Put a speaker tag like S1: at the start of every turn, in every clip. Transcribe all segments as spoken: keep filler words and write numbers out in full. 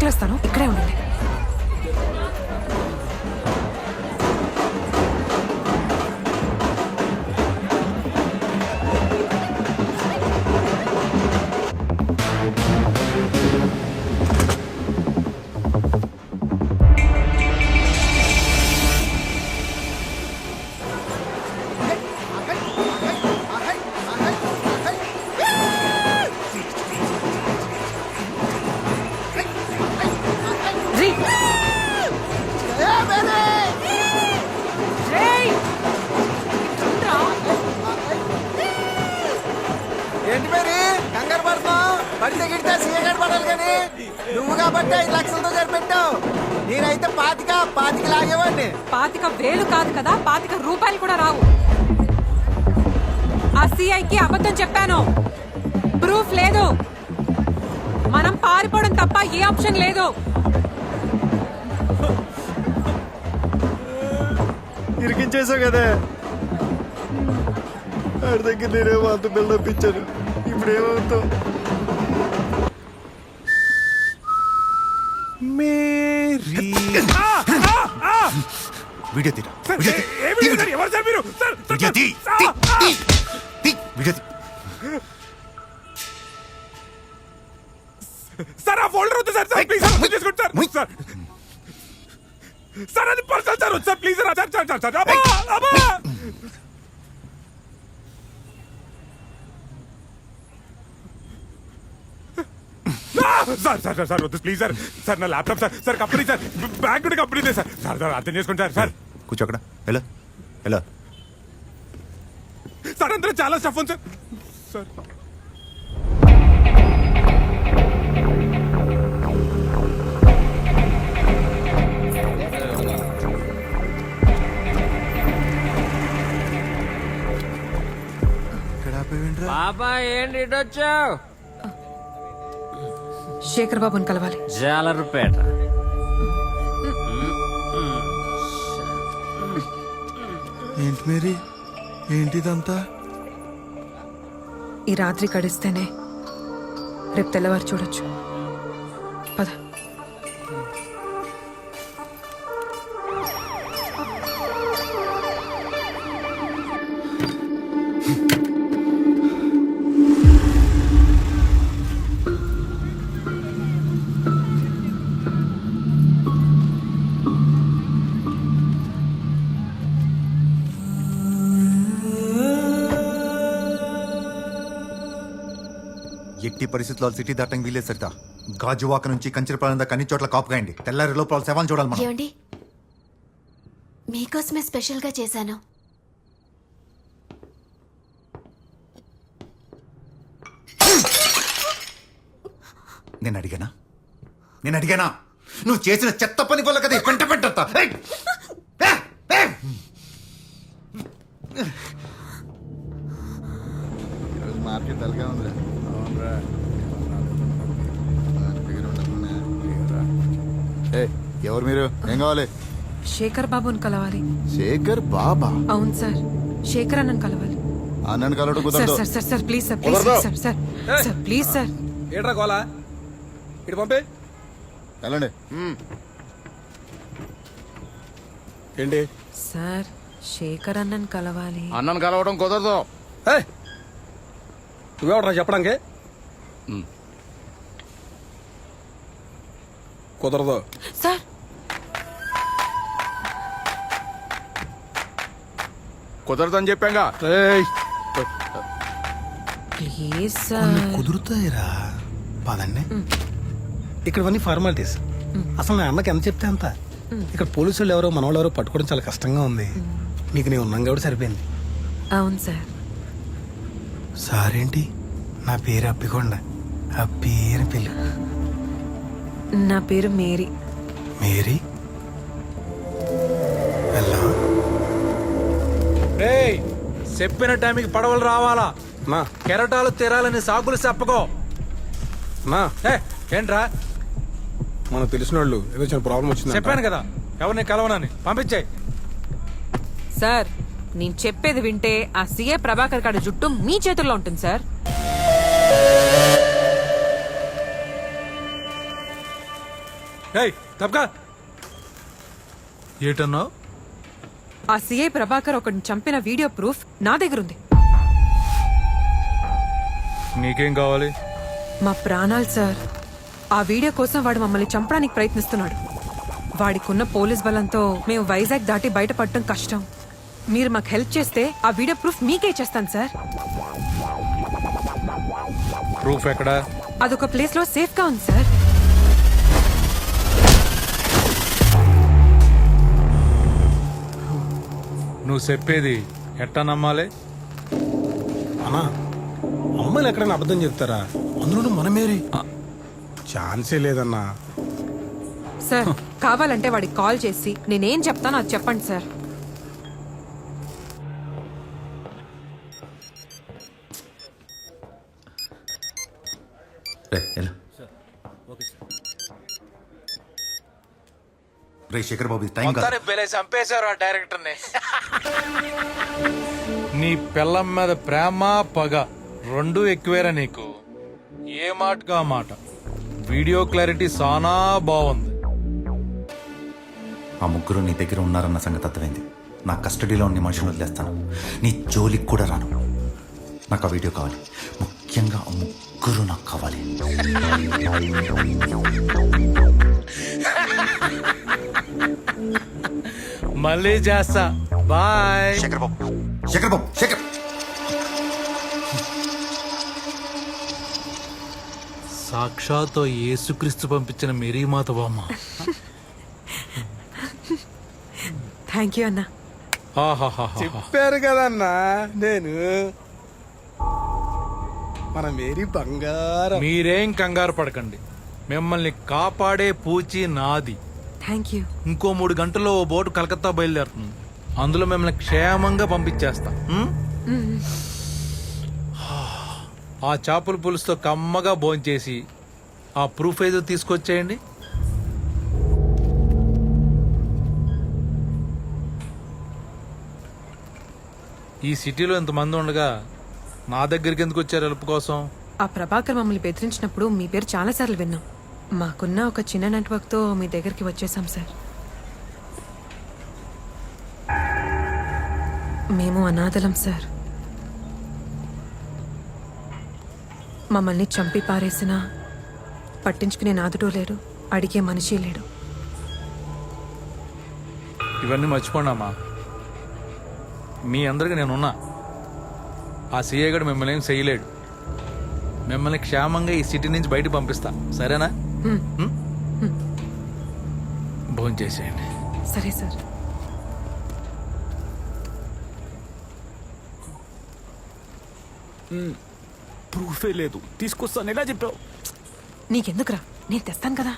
S1: ఆకలిస్తాను, ఇక్కడే ఉండండి.
S2: ఏంటి మరి కంగారు పడుతున్నావు? పడితే గిడితే సీఎగాడు పడాలి కానీ నువ్వు కాబట్టి ఐదు లక్షలతో సరిపెట్టావు. నేనైతే పాతిక పాతిక లాగేవాడిని.
S1: పాతిక వేలు కాదు కదా, పాతిక రూపాయలు కూడా రావు. ఆ సిఐకి అబద్ధం చెప్పాను, ప్రూఫ్ లేదు. మనం పారిపోవడం తప్ప ఏ ఆప్షన్ లేదు.
S2: ఇరికించేసావు కదా. ఆడి దగ్గర నేనేమో అంత బిల్డప్ ఇచ్చాను. ఇప్పుడు ఏమవుతావు?
S3: వీడియో తీరా
S4: సార్ ఆ ఫోల్డర్ వద్దు సార్. సార్ ప్లీజ్ సార్ తీసుకోండి సార్. సార్ సార్ అది personal sir. Sir please sir. Sir sir sir అబ్బా అబ్బా సార్ సార్ సార్ వద్దు ప్లీజ్ సార్. సార్ నా laptop sir. Sir company sir, bank కూడా కంపెనీ సార్. సార్ సార్ అర్థం చేసుకోండి sir. Sir
S3: కూర్చో అక్కడ. ఎలా ఎలా
S4: సార్ అందరూ చాలా స్టఫ్ ఉంది సార్. సార్
S5: బాబా ఏంటి ఇటొచ్చావు?
S1: శేఖర్ బాబుని కలవాలి.
S5: జాలరుపేట.
S2: ఏంటి మేరీ, ఏంటిదంతా?
S1: ఈ రాత్రి కడిస్తేనే రేపు తెల్లవారు చూడొచ్చు. పద.
S3: ఎట్టి పరిస్థితుల్లో సిటీ దాటంగా వీలేదు సరితా. గాజువాక నుంచి కంచెరపాలెం దాకా అన్ని చోట్ల కాపు కాయండి. తెల్లారి లోపల శవాన్ని చూడాలి మనం.
S6: ఏమండి, మీకోసమే స్పెషల్ గా చేశాను.
S3: నేను అడిగానా నేను అడిగానా నువ్వు చేసిన చెత్త పని వల్ల కదా పెంట పెట్టా.
S2: మార్కెట్ తలగా ఉంది. ఎవరు మీరు? ఏం కావాలి?
S1: శేఖర్ బాబుని కలవాలి.
S2: శేఖర్ బాబా?
S1: అవును సార్, శేఖర్ అన్నను కలవాలి.
S2: అన్నను కలవడం
S1: సార్
S2: కుదరదు.
S1: Sir sir sir please sir please sir sir sir please sir.
S4: ఏట్రా గోలా? ఇటు పంపే.
S2: వెళ్ళండి.
S4: ఏంటి?
S1: సార్ శేఖర్ అన్నను కలవాలి.
S4: అన్నను కలవడం కుదరదు. నువ్వెవడరా చెప్పడానికి? కుదరదు
S1: సార్.
S4: కుదరదని చెప్పాగా.
S1: Please sir.
S7: కుదురుతాయిరా, పదండి. ఇక్కడవన్నీ ఫార్మాలిటీస్. అసలు నా అన్నకి ఎంత చెప్తే అంత. ఇక్కడ పోలీసు వాళ్ళు ఎవరో మన వాళ్ళు ఎవరో పట్టుకోవడం చాలా కష్టంగా ఉంది. నీకు నేను ఉన్నాం కాబట్టి సరిపోయింది.
S1: అవును సార్.
S7: సారేంటి? నా పేరు అప్పికొండ. అప్పి అని పిల్లు.
S1: నా పేరు మేరీ.
S7: మేరీ?
S8: చెప్పిన టైంకి పడవలు రావాలా?
S7: నా
S8: కెరటాలు తీరాలని సాగులు చెప్పకో.
S7: నా
S8: ఏంట్రా?
S7: మనకు తెలిసిన వాళ్ళు ఏదో చిన్న ప్రాబ్లం వచ్చింది.
S8: చెప్పాను కదా ఎవరిని కలవనని. పంపించాయి.
S1: సార్ నేను చెప్పేది వింటే ఆ సీఏ ప్రభాకర్ గారి జుట్టు మీ చేతుల్లో ఉంటుంది సార్.
S8: ఏయ్ తప్పకా ఏటన్నావు?
S1: ఆ సిఐ ప్రభాకర్ ఒకడిని చంపిన వీడియో ప్రూఫ్ నా దగ్గర ఉంది.
S8: నీకేం కావాలి?
S1: మా ప్రాణాలు సార్. ఆ వీడియో కోసం వాడు మమ్మల్ని చంపడానికి ప్రయత్నిస్తున్నాడు. వాడికున్న పోలీస్ బలంతో మేము వైజాగ్ దాటి బయటపడటం కష్టం. మీరు మాకు హెల్ప్ చేస్తే ఆ వీడియో ప్రూఫ్ మీకే ఇచ్చేస్తాను సార్.
S8: ప్రూఫ్ ఎక్కడా?
S1: అదొక ప్లేస్ లో సేఫ్ గా ఉంది సార్.
S8: నువ్వు చెప్పేది ఎట్టా నమ్మాలి?
S7: అన్నా అమ్మాయిలు ఎక్కడైనా అబద్ధం చెప్తారా? అందులోనూ మనమేరి ఛాన్సే లేదన్నా.
S1: సార్ కావాలంటే వాడికి కాల్ చేసి నేనేం చెప్తానో అది చెప్పండి సార్.
S3: రే ఎలా రే శేఖర్ బాబు ఇది టైం కాదు.
S8: చంపేశారు ఆ డైరెక్టర్ ని. నీ పిల్లం మీద ప్రేమ పగ రెండు ఎక్కువేరా నీకు. ఏ మాటగా మాట. వీడియో క్లారిటీ సానా బాగుంది.
S3: ఆ ముగ్గురు నీ దగ్గర ఉన్నారన్న సంగతి అర్థమైంది. నా కస్టడీలో ఉన్న మనుషులు వదిలేస్తాను. నీ జోలికి కూడా రాను. నాకు ఆ వీడియో కావాలి. ముఖ్యంగా ఆ ముగ్గురు నాకు కావాలి.
S8: మళ్ళీ చేస్తా. బాయ్.
S3: శేఖర్ బాబు శేఖర్ బాబు శేఖర్
S8: సాక్షాత్ యేసుక్రీస్తు పంపించిన మేరీమాత బామ్మ.
S1: థ్యాంక్ యూ అన్నా.
S8: ఆహాహాహా.
S7: చెప్పారు కదన్నా నేను మన మేరీ బంగారం.
S8: మీరేం కంగారు పడకండి. మిమ్మల్ని కాపాడే పూచి నాది.
S1: Thank you.
S8: ఇంకో మూడు గంటల్లో ఓ బోటు కలకత్తా బయలుదేరుతుంది. అందులో మిమ్మల్ని క్షేమంగా పంపించేస్తా. ఉం? ఆ చేపల పులుసుతో కమ్మగా భోంచేసి ఆ ప్రూఫ్ ఏదో తీసుకొచ్చేయండి. ఈ సిటీలో ఇంతమంది ఉండగా నా దగ్గరికి ఎందుకు వచ్చారు హెల్ప్ కోసం?
S1: ఆ ప్రభాకర్ మమ్మల్ని బెదిరించినప్పుడు మీ పేరు చాలా సార్లు విన్నాం. మాకున్న ఒక చిన్న నెట్వర్క్ తో మీ దగ్గరికి వచ్చేసాం సార్. మేము అనాథలం సార్. మమ్మల్ని చంపి పారేసినా పట్టించుకునే నాదుడో లేడు, అడిగే మనిషి లేడు.
S8: ఇవన్నీ మర్చిపోండమ్మా. మీ అందరికి నేనున్నా. ఆ సీఏ గడు మిమ్మల్ని ఏం చేయలేడు. మిమ్మల్ని క్షేమంగా ఈ సిటీ నుంచి బయట పంపిస్తా. సరేనా? భోజనం చేసేయండి.
S1: సరే సార్.
S6: ప్రూఫే లేదు, తీసుకొస్తాను ఎలా చెప్పావు?
S1: నీకెందుకురా, నేను తెస్తాను కదా.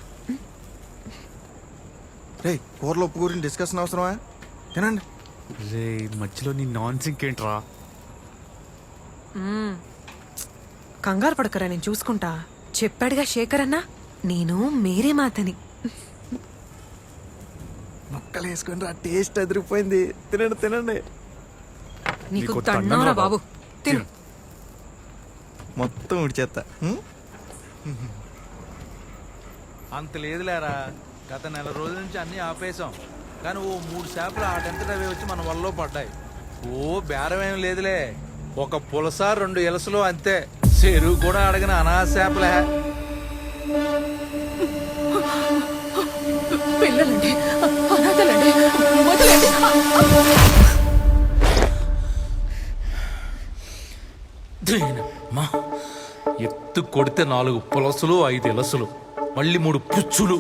S2: రే కూరలో ఉప్పు గురించి డిస్కషన్ అవసరమా? తినండి.
S6: రే మధ్యలో నీ నాన్ సింక్ ఏంట్రా?
S1: కంగారు పడకరా, నేను చూసుకుంటా. చెప్పాడుగా శేఖర్ అన్న, నేను మేరీ మాతని.
S2: ముక్కలు వేసుకుని రా, టేస్ట్ అదిరిపోయింది. తినండి తినండి.
S1: నీకు
S6: నీకు
S1: దండంరా
S6: దండంరా
S1: బాబు, తిను.
S2: మొత్తం ఉడిచేత్తా.
S8: అంత లేదులేరా. గత నెల రోజుల నుంచి అన్నీ ఆపేశాం. కానీ ఓ మూడు చేపలు ఆటంతట అవి వచ్చి మన వల్ల పడ్డాయి. ఓ బేరం ఏం లేదులే. ఒక పులస రెండు ఎలసలు అంతే. చెరువు కూడా అడగిన అనాథ చేపలే.
S1: పిల్లలండి, అనాథలండి, వదిలేండి.
S8: దీనమ్మా. ఎత్తు కొడితే నాలుగు పులసలు, ఐదు ఎలసలు, మళ్ళీ మూడు పుచ్చులు.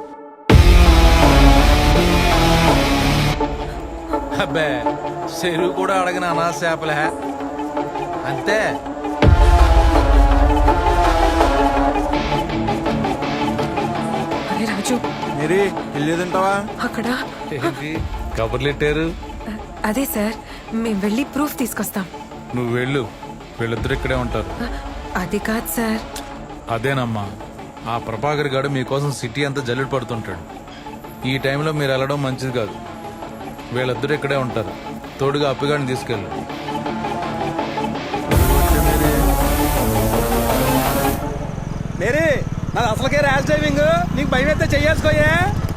S8: అబ్బే, చెరువు కూడా అడగిన అనాథ చేపలే అంతే.
S1: అరే రాజు,
S2: మేరీ వెళ్ళేదంటావా?
S1: అక్కడ
S8: ఏంటి కబుర్లెట్టారు?
S1: అదే సార్, మేము వెళ్ళి ప్రూఫ్ తీసుకొస్తాం.
S8: నువ్వు వెళ్ళు, వీళ్ళిద్దరు ఇక్కడే ఉంటారు.
S1: అది కాదు సార్.
S8: అదేనమ్మా, ఆ ప్రభాకర్ గారు మీకోసం సిటీ అంతా జల్లుడు పడుతుంటాడు. ఈ టైంలో మీరు వెళ్ళడం మంచిది కాదు. వీళ్ళిద్దరు ఇక్కడే ఉంటారు. తోడుగా అప్పిగాడిని తీసుకెళ్ళు.
S2: మేరీ
S7: నాది అసలుకే ర్యాష్ డ్రైవింగ్, నీకు భయం అయితే చెయ్యేసుకోయే.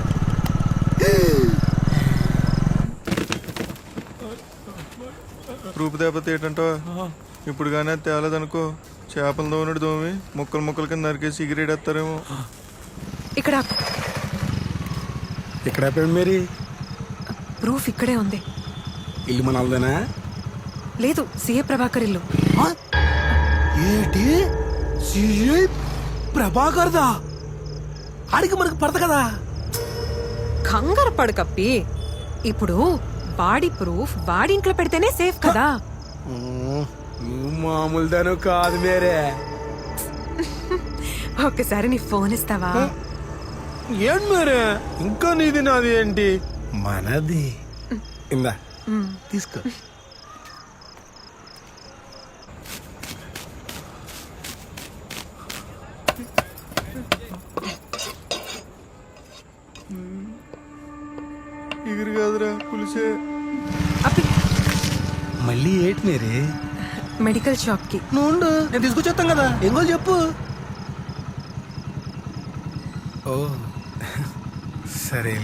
S9: రూపు దేపత ఏంటంటో ఇప్పుడు కానీ అది తేలేదనుకో, చేపలు దోమనుడు దోమి ముక్కలు ముక్కలు కింద నరికేసి ఎగిరేడేస్తారేమో.
S1: ఇక్కడ
S7: ఇక్కడ అయిపోయింది మేరీ.
S1: ప్రూఫ్ ఇక్కడే ఉంది.
S7: ఇల్లు మనల్దేనా?
S1: లేదు, సీఏ ప్రభాకర్ ఇల్లు.
S7: ఏంటి సిఐ ప్రభాకర్దా? ఆడికి మనకు పడత కదా.
S1: కంగారు పడు కప్పి. ఇప్పుడు వాడి ప్రూఫ్ వాడి ఇంట్లో పెడితేనే సేఫ్ కదా.
S7: నువ్వు మామూలుదాను కాదు మేరే.
S1: ఒక్కసారి నీ ఫోన్ ఇస్తావా?
S7: ఏంటి మేరే ఇంకా నీది నాది ఏంటి? మనది. ఇందా తీసుకో.
S9: ఎగిరి కాదురా పులిసే.
S1: అప్పి
S7: మళ్ళీ ఏంటి మేరే?
S1: మెడికల్ షాప్ కి.
S7: నువ్వు ఉండు, నేను తీసుకొచ్చేస్తాం కదా. ఏం కావాలి చెప్పు. ఓ సరే